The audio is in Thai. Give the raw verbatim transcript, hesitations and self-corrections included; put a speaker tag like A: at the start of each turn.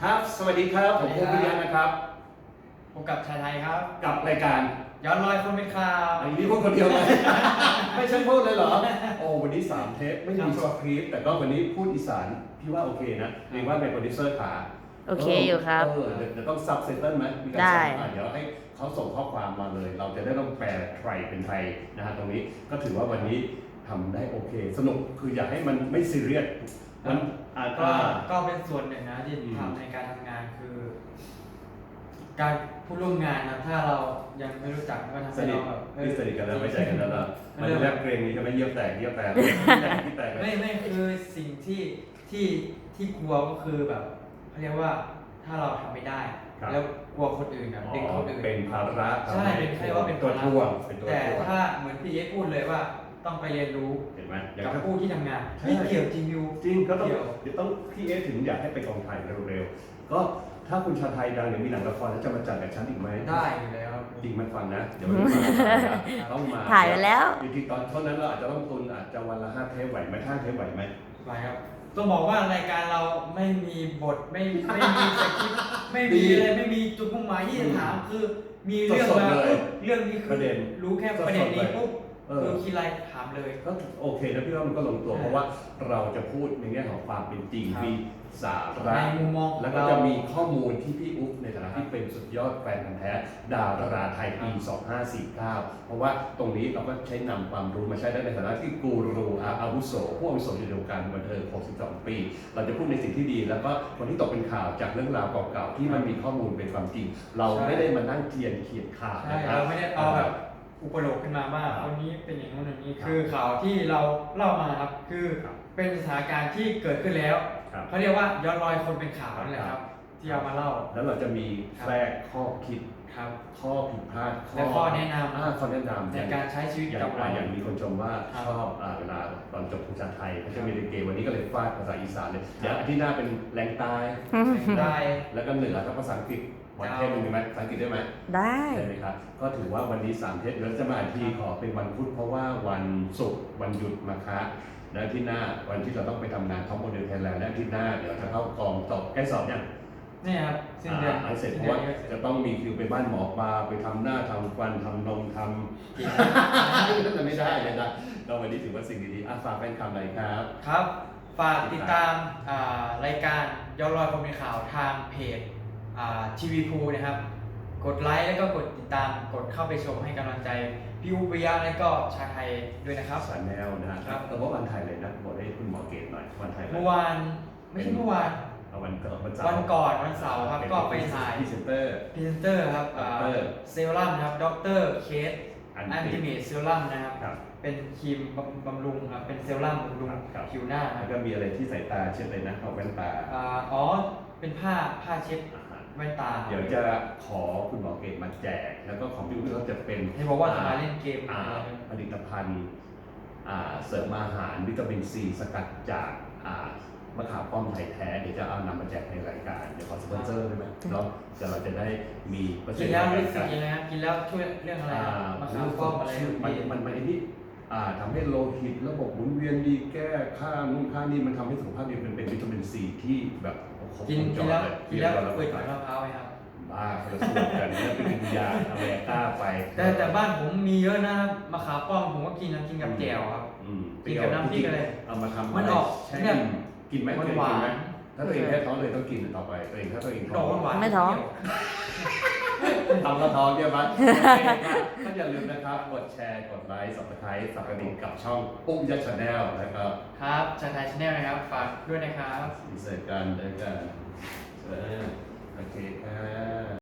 A: ครับสวัสดีครับผมภูมิยะนะครับ
B: พบกับชายไทยครับ
A: กับรายการ
B: ย้อนรอยคนเป็นข่าว
A: อันนี้พูดคนเดียวเลย ไม่ใช่พูดเลยเหรอโอ้วันนี้สามเทปไม่มีสคริปต์แต่ก็วันนี้พูดอีสานพี่ว่าโอเคนะเรียกว่าเป็นโปรดิวเซอร์ขา
C: โอเคอยู่ครับ
A: เออเดี๋ยวต้องซับไตเติลไหมมีการซับอ่ะเดี๋ยวให้เขาส่งข้อความมาเลย เราจะได้ต้องแปลไทยเป็นไทยนะฮะตรงนี้ก็ถือว่าวันนี้ทำได้โอเค สนุกคืออยากให้มันไม่ซีเรียสมันอาจ
B: ก็
A: จะ
B: ก็เป็นส่วนหนึ่งนะที่ทำในการทำงานคือ การผู้ร่วมงานนะถ้าเรายังไม่รู้จักก็ทำ
A: สนิท
B: ให้เราแบบ
A: ที่สนิทกันแล้วไม่ใจกันแล้วล่ะมันแรกเกรงนี้จะไม่เยี่ยมแตกเยี่ยมแตกที่แตก
B: ไม่ไม่คือสิ่งที่ที่ที่กลัวก็คือแบบเขาเรียกว่าถ้าเราทำไม่ได้ แล้วกลัวคนอื่นนะเด็กคนอื่น
A: เป็นภาระ
B: ใช่เป็นใครว่าเป็น
A: ตัวท่วง
B: แต่ถ้าเหมือนพี่เอพูดเลยว่าต้องไปเรียนรู้
A: เห็นไหม
B: กับผู้ที่ทำงานไม่เกี่ยวจริงอยู่
A: จริงก็ต้องเดี๋ยวต้องพี่เอถึงอยากให้ไปกองถ่ายเร็วๆก็ถ้าคุณชาไทยดังเดี๋ยวมีหนังละครแล้วจะมาจัดกับฉันอีกไหม
B: ได้อยู่แล้ว
A: จริงมันฟังนะเดี๋ยวมันมาต้องมา
C: ถ่ายไปแล้ว
A: จริงๆตอนเท่านั้นเราอาจจะต้องตุนอาจจะวันละห้าเทปไหวไหมห้าเทปไหวไหม
B: ไหวครับต้องบอกว่ารายการเราไม่มีบทไม่ไม่มีสคริปต์ไม่มีอะไรไม่มีจุดมุ่งหมายที่จะถามคือมีเรื่องมาปุ๊บเรื่องนี้คือรู้แค่ประเด็นนี้ปุ๊บคือคิดอะไรถามเลย
A: ก็โอเคนะพี่ว่ามันก็ลงตัวเพราะว่าเราจะพูดในแง่ของความเป็นจริงมีสาระ
B: ในมุมมอง
A: แล้วก็จะมีข้อมูลที่พี่อุ๊บในฐานะที่เป็นสุดยอดแฟนพันธุ์แท้ดาราไทยปีสองห้าสี่เก้าเพราะว่าตรงนี้เราก็ใช้นำความรู้มาใช้ได้ในฐานะที่กูรูอาวุโสผู้อาวุโสอยู่ในวงการบันเทิงหกสิบสองปีเราจะพูดในสิ่งที่ดีแล้วก็คนที่ตกเป็นข่าวจากเรื่องราวเก่าๆที่มันมีข้อมูลเป็นความจริงเราไม่ได้มานั่งเทียนเขียนข่าว
B: นะครับเราไม่ได้เอาแบบอุปโลกขึ้นมาว่าวันนี้เป็นอย่างนู้นอย่างนี้คือข่าวที่เราเล่ามาครับคือเป็นสถานการณ์ที่เกิดขึ้นแล้วเขาเรียกว่าย้อนรอยคนเป็นข่าวนั่นแหละครับที่เอามาเล่า
A: แล้วเราจะมีแทรกข้อคิดข้อผิดพลาด
B: และข้อแนะนำ
A: ข้อแนะนำ
B: ในการใช้ชีวิตกับเรา
A: อย่างมีคนชมว่าชอบเวลาตอนจบภาษาไทยเขาจะมีเกมวันนี้ก็เลยฟาดภาษาอีสานเลยเดี๋ยวอาทิตย์หน้าเป็นแรงใต้
B: ใต้
A: แล้วก็เหนือแล้วภาษาอังกฤษวันเทศมีไหมภาษาอังกฤษได้ไหม
C: ได้
A: ใช่ไหมครับก็ถือว่าวันนี้สามเทศแล้วจะมาทีขอเป็นวันพุธเพราะว่าวันศุกร์วันหยุดมาคะแล้วที่หน้าวันที่เราต้องไปทำงานท็อปโมเดลไทยแลนด์และที่หน้าเดี๋ยวจะเข้ากองตกใกล้สอบยัง
B: นี่ครับสิ้นเดือน
A: เสร็จเพราะว่าจะต้องมีคิวไปบ้านหมอปลาไปทำหน้าทำฟันทำนมทำกินนั่นจะไม่ได้เลยนะก็วันนี้ถือว่าสิ่งดีๆอ่ะฝากแฟนคลับหน่อยครับ
B: ครับฝากติดตามรายการย้อนรอยคนเป็นข่าวทางเพจทีวีพูนะครับกดไลค์แล้วก็กดติดตามกดเข้าไปชมให้กำลังใจพี่อุปยะและก็ชาไทยด้วยนะครับ
A: สารแนวนะครับแต่ว่าวันถ่ายเลยนะบอกให้คุณหมอเกตหน่อยวันถ่าย
B: เมื่อวานไม่ใช่เมื่อวาน
A: วันก่อนวันเสา
B: ร์วันก่อนวันเสาร์ครับก็ไปถ่าย
A: พรีเซนเตอร์
B: พรีเซนเตอร์ครับเซรั่มนะครับด็อกเตอร์เคสอันติเมทเซรั่มนะครับเป็นครีมบำรุงครับเป็นเซรั่มบำรุงผิวหน้า
A: แล้วก็มีอะไรที่สายตาเช็ดเลยนะเอาแว่นตา
B: อ๋อเป็นผ้าผ้าเช็ดแว่นตา
A: เดี๋ยวจะขอคุณหมอเกตมาแจกแล้วก็ของพี่อุ้ยเขาจะเป็น
B: ให้บอกว่าจะมาเล่นเกม
A: ผลิตภัณฑ์เสริมอาหารวิตามินซีสกัดจากมะขามป้อมไทยแท้เดี๋ยวจะเอานำมาแจกในรายการเดี๋ยวขอสปอนเซอร์ได้ไหมเนาะจะเราจะได้มี
B: กินแล้วรู้สึกยังไงครับกินแล้วช่วยเรื่องอะไรมะขามป้อมอะไร
A: มันมันมันนี่ทำให้โลหิตระบบหมุนเวียนดีแก้ค่านู่นค่านี่มันทำให้สุขภาพดีเป็นเป็นวิตามินซีที่แบบ
B: กินกินแล้วกินแล้วเปิดฝามะพร้าวไหมครับ
A: บ้าเราสูตรกันเนี่ยเป็นยาอเมริกาไป
B: แต่แต่บ้านผมมีเยอะนะมะขามป้อมผมก็กินนะกินกับแจ่วครับกินกับน้ำพริกอะไร
A: เอามาทำ
B: มันออกเนี่ย
A: กินไหม
B: หวาน
A: ถ้าตัวเองแค่ท้องเลยต้องกินต่อไปตัวเองถ้าตัวเองท้อง
C: ไม่ท้อง
A: ทำกระท้องเยอะมากก็อย่าลืมนะครับกดแชร์กดไลค์ ซับสไครบ์ สับกระดิ่งกับช่องปุ๊บยัดชาแนลนะครับ
B: ครับชาไทยชาแนลนะครับฝากด้วยนะครับ
A: อินเสิร์ตกันด้วยกันโอเคครับ